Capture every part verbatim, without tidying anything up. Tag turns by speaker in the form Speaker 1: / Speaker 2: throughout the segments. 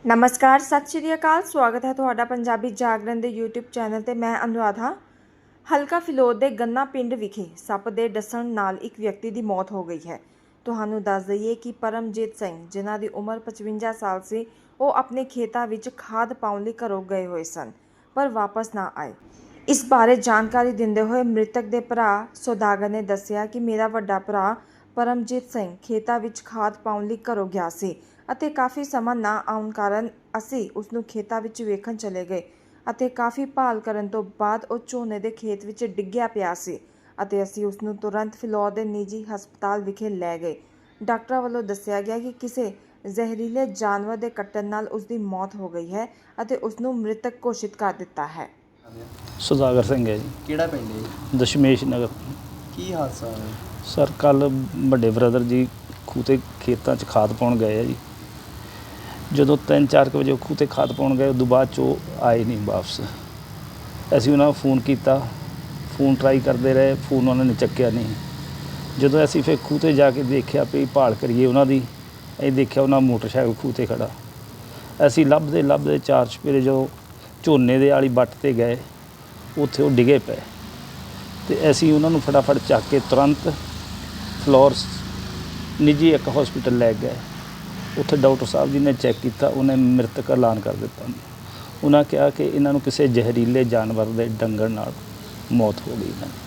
Speaker 1: नमस्कार सत श्री अकाल स्वागत है ਤੁਹਾਡਾ ਪੰਜਾਬੀ ਜਾਗਰਣ ਦੇ YouTube ਚੈਨਲ ਤੇ ਮੈਂ ਅਨੁਰਾਧ ਹਾਂ। ਹਲਕਾ ਫਿਲੌਰ ਦੇ ਗੰਨਾ ਪਿੰਡ ਵਿਖੇ ਸੱਪ ਦੇ ਡਸਣ ਨਾਲ ਇੱਕ ਵਿਅਕਤੀ ਦੀ ਮੌਤ ਹੋ ਗਈ ਹੈ। ਤੁਹਾਨੂੰ ਦੱਸ ਦਈਏ ਕਿ ਪਰਮਜੀਤ ਸਿੰਘ ਜਿਨ੍ਹਾਂ ਦੀ ਉਮਰ ਪਚਵੰਜਾ ਸਾਲ ਸੀ ਉਹ ਆਪਣੇ ਖੇਤਾਂ ਵਿੱਚ ਖਾਦ ਪਾਉਣ ਲਈ ਘਰੋਂ ਗਏ ਹੋਏ ਸਨ ਪਰ ਵਾਪਸ ਨਾ ਆਏ। ਇਸ ਬਾਰੇ ਜਾਣਕਾਰੀ ਦਿੰਦੇ ਹੋਏ ਮ੍ਰਿਤਕ ਦੇ ਭਰਾ ਸੌਦਾਗਰ ਨੇ ਦੱਸਿਆ ਕਿ ਮੇਰਾ ਵੱਡਾ ਭਰਾ ਪਰਮਜੀਤ ਸਿੰਘ ਖੇਤਾਂ ਵਿੱਚ ਖਾਦ ਪਾਉਣ ਲਈ ਘਰੋਂ ਗਿਆ ਸੀ ਅਤੇ ਕਾਫੀ ਸਮਾਂ ਨਾ ਆਉਣ ਕਾਰਨ ਅਸੀਂ ਉਸ ਨੂੰ ਖੇਤਾਂ ਵਿੱਚ ਵੇਖਣ ਚਲੇ ਗਏ ਅਤੇ ਕਾਫੀ ਭਾਲ ਕਰਨ ਤੋਂ ਬਾਅਦ ਉਹ ਝੋਨੇ ਦੇ ਖੇਤ ਵਿੱਚ ਡਿੱਗਿਆ ਪਿਆ ਸੀ ਅਤੇ ਅਸੀਂ ਉਸ ਨੂੰ ਤੁਰੰਤ ਫਿਲੌਰ ਦੇ ਨਿੱਜੀ ਹਸਪਤਾਲ ਵਿਖੇ ਲੈ ਗਏ। ਡਾਕਟਰਾਂ ਵੱਲੋਂ ਦੱਸਿਆ ਗਿਆ ਕਿ ਕਿਸੇ ਜ਼ਹਿਰੀਲੇ ਜਾਨਵਰ ਦੇ ਕੱਟਣ ਨਾਲ ਉਸ ਦੀ ਮੌਤ ਹੋ ਗਈ ਹੈ ਅਤੇ ਉਸ ਨੂੰ ਮ੍ਰਿਤਕ ਘੋਸ਼ਿਤ ਕਰ ਦਿੱਤਾ ਹੈ।
Speaker 2: ਸੌਦਾਗਰ ਸਿੰਘ ਹੈ ਜੀ।
Speaker 3: ਕਿਹੜਾ ਪਿੰਡ ਹੈ?
Speaker 2: ਦਸ਼ਮੇਸ਼ ਨਗਰ।
Speaker 3: ਕੀ ਹਾਦਸਾ ਹੋਇਆ
Speaker 2: ਸਰ ਕੱਲ੍ਹ ਵੱਡੇ ਬ੍ਰਦਰ ਜੀ ਖੂਹ 'ਤੇ ਖੇਤਾਂ 'ਚ ਖਾਦ ਪਾਉਣ ਗਏ ਆ ਜੀ। ਜਦੋਂ ਤਿੰਨ ਚਾਰ ਕੁ ਵਜੇ ਖੂਹ 'ਤੇ ਖਾਦ ਪਾਉਣ ਗਏ ਉਦੋਂ ਬਾਅਦ 'ਚ ਉਹ ਆਏ ਨਹੀਂ ਵਾਪਸ। ਅਸੀਂ ਉਹਨਾਂ ਨੂੰ ਫੋਨ ਕੀਤਾ, ਫੋਨ ਟਰਾਈ ਕਰਦੇ ਰਹੇ, ਫੋਨ ਉਹਨਾਂ ਨੇ ਚੱਕਿਆ ਨਹੀਂ। ਜਦੋਂ ਅਸੀਂ ਫਿਰ ਖੂਹ 'ਤੇ ਜਾ ਕੇ ਦੇਖਿਆ ਵੀ ਭਾਲ ਕਰੀਏ ਉਹਨਾਂ ਦੀ, ਅਸੀਂ ਦੇਖਿਆ ਉਹਨਾਂ ਮੋਟਰਸਾਈਕਲ ਖੂਹ 'ਤੇ ਖੜ੍ਹਾ। ਅਸੀਂ ਲੱਭਦੇ ਲੱਭਦੇ ਚਾਰ ਚੁਫੇਰੇ ਜਦੋਂ ਝੋਨੇ ਦੇ ਵਾਲੀ ਵੱਟ 'ਤੇ ਗਏ ਉੱਥੇ ਉਹ ਡਿੱਗੇ ਪਏ ਅਤੇ ਅਸੀਂ ਉਹਨਾਂ ਨੂੰ ਫਟਾਫਟ ਚੱਕ ਕੇ ਤੁਰੰਤ ਫਿਲੌਰ ਨਿੱਜੀ ਇੱਕ ਹੌਸਪੀਟਲ ਲੈ ਗਏ। ਉੱਥੇ ਡਾਕਟਰ ਸਾਹਿਬ ਜੀ ਨੇ ਚੈੱਕ ਕੀਤਾ, ਉਹਨੇ ਮ੍ਰਿਤਕ ਐਲਾਨ ਕਰ ਦਿੱਤਾ। ਉਹਨਾਂ ਕਿਹਾ ਕਿ ਇਹਨਾਂ ਨੂੰ ਕਿਸੇ ਜ਼ਹਿਰੀਲੇ ਜਾਨਵਰ ਦੇ ਡੰਗਣ ਨਾਲ ਮੌਤ ਹੋ ਗਈ ਹੈ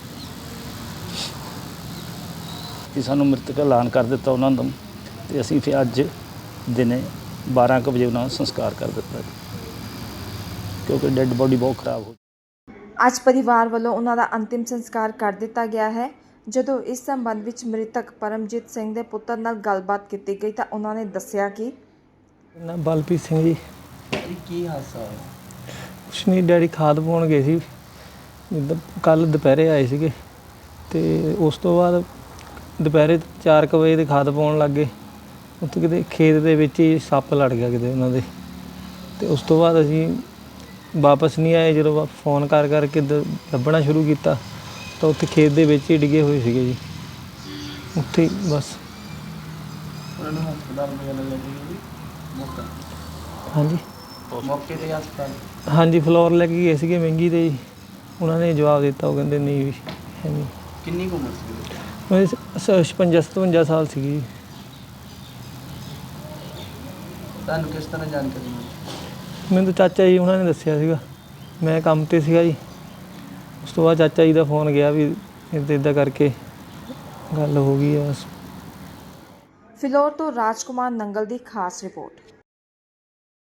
Speaker 2: ਕਿ ਸਾਨੂੰ ਮ੍ਰਿਤਕ ਐਲਾਨ ਕਰ ਦਿੱਤਾ ਉਹਨਾਂ ਦਾ ਅਤੇ ਅਸੀਂ ਫਿਰ ਅੱਜ ਦਿਨੇ ਬਾਰਾਂ ਕੁ ਵਜੇ ਉਹਨਾਂ ਦਾ ਸੰਸਕਾਰ ਕਰ ਦਿੱਤਾ ਕਿਉਂਕਿ ਡੈੱਡ ਬੋਡੀ ਬਹੁਤ ਖਰਾਬ ਹੋ।
Speaker 1: ਅੱਜ ਪਰਿਵਾਰ ਵੱਲੋਂ ਉਹਨਾਂ ਦਾ ਅੰਤਿਮ ਸੰਸਕਾਰ ਕਰ ਦਿੱਤਾ ਗਿਆ ਹੈ। ਜਦੋਂ ਇਸ ਸੰਬੰਧ ਵਿੱਚ ਮ੍ਰਿਤਕ ਪਰਮਜੀਤ ਸਿੰਘ ਦੇ ਪੁੱਤਰ ਨਾਲ ਗੱਲਬਾਤ ਕੀਤੀ ਗਈ ਤਾਂ ਉਹਨਾਂ ਨੇ ਦੱਸਿਆ ਕਿ
Speaker 4: ਨਾ ਬਲਪ੍ਰੀਤ ਸਿੰਘ ਜੀ।
Speaker 3: ਜੀ ਕੀ ਹਾਦਸਾ ਹੋਇਆ?
Speaker 4: ਕੁਛ ਨਹੀਂ, ਡੈਡੀ ਖਾਦ ਪਾਉਣ ਗਏ ਸੀ, ਕੱਲ੍ਹ ਦੁਪਹਿਰੇ ਆਏ ਸੀਗੇ ਅਤੇ ਉਸ ਤੋਂ ਬਾਅਦ ਦੁਪਹਿਰੇ ਚਾਰ ਕੁ ਵਜੇ ਦੇ ਖਾਦ ਪਾਉਣ ਲੱਗ ਗਏ। ਉੱਥੇ ਕਿਤੇ ਖੇਤ ਦੇ ਵਿੱਚ ਹੀ ਸੱਪ ਲੜ ਗਿਆ ਕਿਤੇ ਉਹਨਾਂ ਦੇ ਅਤੇ ਉਸ ਤੋਂ ਬਾਅਦ ਅਸੀਂ ਵਾਪਸ ਨਹੀਂ ਆਏ। ਜਦੋਂ ਫੋਨ ਕਰ ਕਰਕੇ ਦ ਲੱਭਣਾ ਸ਼ੁਰੂ ਕੀਤਾ ਤਾਂ ਉੱਥੇ ਖੇਤ ਦੇ ਵਿੱਚ ਹੀ ਡਿੱਗੇ ਹੋਏ ਸੀਗੇ ਜੀ। ਉੱਥੇ ਹੀ ਬਸ।
Speaker 3: ਉਹਨਾਂ ਨੂੰ ਹਸਪਤਾਲ ਵਗੈਰਾ ਲੈ ਕੇ ਗਏ ਮੌਕਾ?
Speaker 4: ਹਾਂਜੀ
Speaker 3: ਮੌਕੇ 'ਤੇ ਹਸਪਤਾਲ?
Speaker 4: ਹਾਂਜੀ ਫਿਲੌਰ ਲੈ ਕੇ ਗਏ ਸੀਗੇ ਮਹਿੰਗੀ 'ਤੇ ਜੀ। ਉਹਨਾਂ ਨੇ ਜਵਾਬ ਦਿੱਤਾ, ਉਹ ਕਹਿੰਦੇ ਨਹੀਂ ਵੀ ਹੈ ਨਹੀਂ।
Speaker 3: ਕਿੰਨੀ ਕੁ ਉਮਰ ਸੀ?
Speaker 4: ਮੇਰੀ ਛਪੰਜਾ ਸਤਵੰਜਾ ਸਾਲ ਸੀਗੀ ਜੀ।
Speaker 3: ਤੁਹਾਨੂੰ ਕਿਸ ਤਰ੍ਹਾਂ ਜਾਣਕਾਰੀ ਮਿਲੀ?
Speaker 4: ਮੈਨੂੰ ਤਾਂ ਚਾਚਾ ਜੀ ਉਹਨਾਂ ਨੇ ਦੱਸਿਆ ਸੀਗਾ, ਮੈਂ ਕੰਮ 'ਤੇ ਸੀਗਾ ਜੀ। ਉਸ ਤੋਂ ਬਾਅਦ ਚਾਚਾ ਜੀ ਦਾ ਫੋਨ ਗਿਆ ਵੀ ਇੱਦਾਂ ਇੱਦਾਂ ਕਰਕੇ ਗੱਲ ਹੋ ਗਈ ਆ।
Speaker 1: ਫਿਲੌਰ ਤੋਂ ਰਾਜਕੁਮਾਰ ਨੰਗਲ ਦੀ ਖਾਸ ਰਿਪੋਰਟ।